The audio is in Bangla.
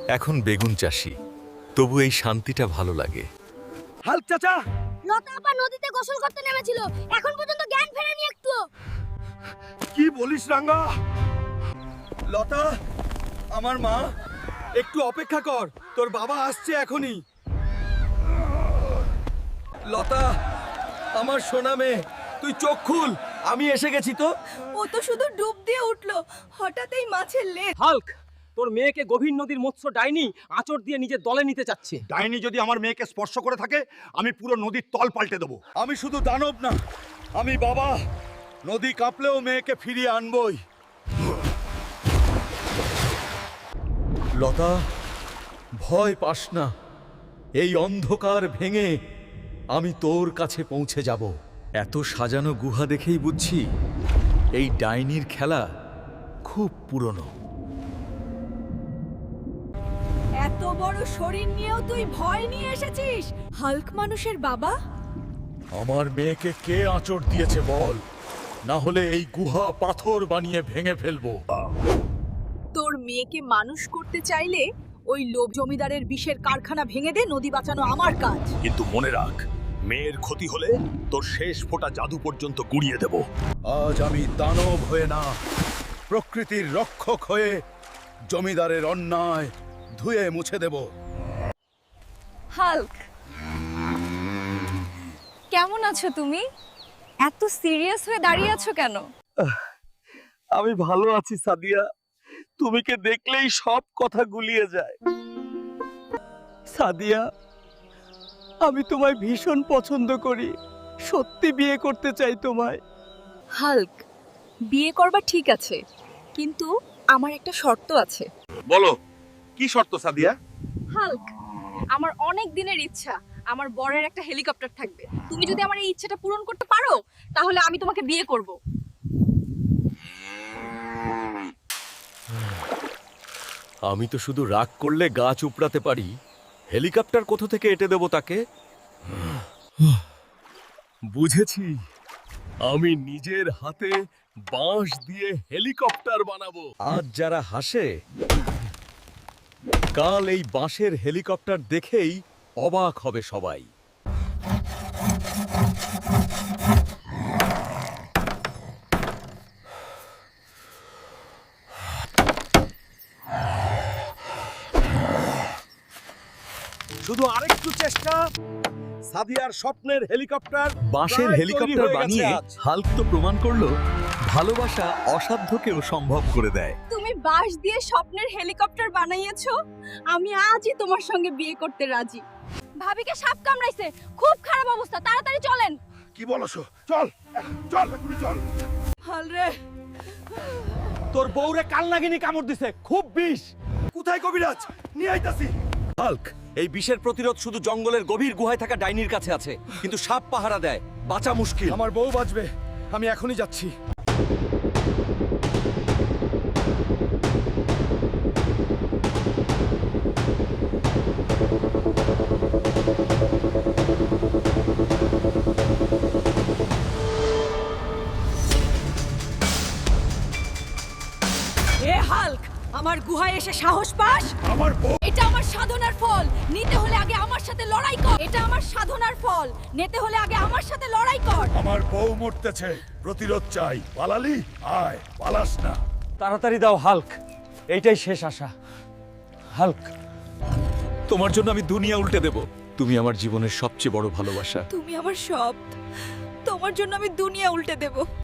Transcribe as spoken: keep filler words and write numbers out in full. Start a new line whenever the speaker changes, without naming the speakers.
এখন বেগুন চাষি, তবু এই শান্তিটা ভালো লাগে।
হাল্ক চাচা,
লতা আপা নদীতে গোসল করতে নেমেছিল, এখন পর্যন্ত জ্ঞান ফেরেনি একটু।
কি বলিস রাঙ্গা? লতা, আমার মা, একটু অপেক্ষা কর, তোর বাবা আসছে এখনই। লতা, আমার সোনা মেয়ে, তুই চোখ খুল, আমি এসে গেছি তো।
ও তো শুধু ডুব দিয়ে উঠলো, হঠাৎই মাছের লেজ।
হাল্ক, তোর মেয়েকে গভীর নদীর মৎস্য ডাইনি আঁচড় দিয়ে নিজের দলে নিতে চাচ্ছে।
ডাইনি যদি আমার মেয়েকে স্পর্শ করে থাকে, আমি পুরো নদীর তল পাল্টে দেবো।
আমি শুধু দানব না, আমি বাবা। নদী কাঁপলেও মেয়েকে ফিরিয়ে আনবই।
লতা, ভয় পাস না, এই অন্ধকার ভেঙে আমি তোর কাছে পৌঁছে যাব। এত সাজানো গুহা দেখেই বুঝছি এই ডাইনির খেলা খুব পুরনো।
এত বড় শরীর নিয়েও তুই ভয় নিয়ে এসেছিস? হাল্ক মানুষের বাবা?
আমার মেয়েকে কে আঁচড় দিয়েছে বল, না হলে এই গুহা পাথর বানিয়ে ভেঙে ফেলবো।
তোর মেয়েকে মানুষ করতে চাইলে ওই লোভ জমিদারের বিষের কারখানা ভেঙে দে, নদী বাঁচানো আমার কাজ।
কিন্তু মনে রাখ, মেয়ের ক্ষতি হলে তোর শেষ ফোঁটা জাদু পর্যন্ত গুড়িয়ে দেব। আজ আমি দানব হয়ে না, প্রকৃতির রক্ষক হয়ে জমিদারের অন্যায় ধুয়ে মুছে দেব।
হাল্ক, কেমন আছো তুমি? এত সিরিয়াস হয়ে দাঁড়িয়ে আছো কেন?
আমি ভালো আছি সাদিয়া, তুমিকে দেখলেই সব কথা গুলিয়ে যায়। সাদিয়া, আমি তোমায় ভীষণ পছন্দ করি, সত্যি বিয়ে করতে চাই তোমায়।
হাল্ক, বিয়ে করবা ঠিক আছে, কিন্তু আমার একটা শর্ত আছে।
বলো, কি শর্ত সাদিয়া?
হাল্ক, আমার অনেক দিনের ইচ্ছা আমার বরের একটা হেলিকপ্টার থাকবে। তুমি যদি আমার এই ইচ্ছাটা পূরণ করতে পারো, তাহলে আমি তোমাকে বিয়ে করব।
আমি তো শুধু রাগ করলে গাছ উপড়াতে পারি, হেলিকপ্টার কোথা থেকে এঁটে দেব তাকে?
বুঝেছি, আমি নিজের হাতে বাঁশ দিয়ে হেলিকপ্টার বানাবো।
আজ যারা হাসে, কাল এই বাঁশের হেলিকপ্টার দেখেই অবাক হবে সবাই।
শুধু আরেকটু চেষ্টা, সাদিয়ার স্বপ্নের হেলিকপ্টার
বাঁশের
প্রায় তৈরি
হেলিকপ্টার
হয়ে গেছে
বানিয়ে
আজ।
হাল্ক তো প্রমাণ করলো ভালোবাসা অসাধ্যকেও সম্ভব করে দেয়।
তুমি বাঁশ দিয়ে স্বপ্নের হেলিকপ্টার বানাইয়েছো, আমি আজই তোমার সঙ্গে বিয়ে করতে রাজি। ভাবিকে সাপ কামড়াইছে, খুব খারাপ অবস্থা, তাড়াতাড়ি চলেন।
কি বলছো? চল চল এক্ষুনি চল।
হাল রে,
তোর বউরে কালনাগিনী কামড় দিছে, খুব বিষ। কোথায় কবিরাজ? নিয়ে আইতাছি।
হাল্ক, এই বিষের প্রতিরোধ শুধু জঙ্গলের গভীর গুহায় থাকা ডাইনির কাছে আছে, কিন্তু সাপ পাহারা দেয়, বাঁচা মুশকিল।
আমার বউ বাঁচবে, আমি এখনই যাচ্ছি।
এ হাল্ক, আমার গুহায় এসে সাহস পাস?
আমার বউ
এটা আমার সাধনার ফল, নিতে হলে আগে আমার সাথে লড়াই কর। এটা আমার সাধনার ফল, নিতে হলে আগে আমার সাথে লড়াই কর।
আমার বউ মরতেছে, প্রতিরোধ চাই। পালালি? আয়, পালাস না।
তাড়াতাড়ি দাও হাল্ক, এইটাই শেষ আশা। হাল্ক,
তোমার জন্য আমি দুনিয়া উল্টে দেব। তুমি আমার জীবনের সবচেয়ে বড় ভালোবাসা।
তুমি আমার সব, তোমার জন্য আমি দুনিয়া উল্টে দেব।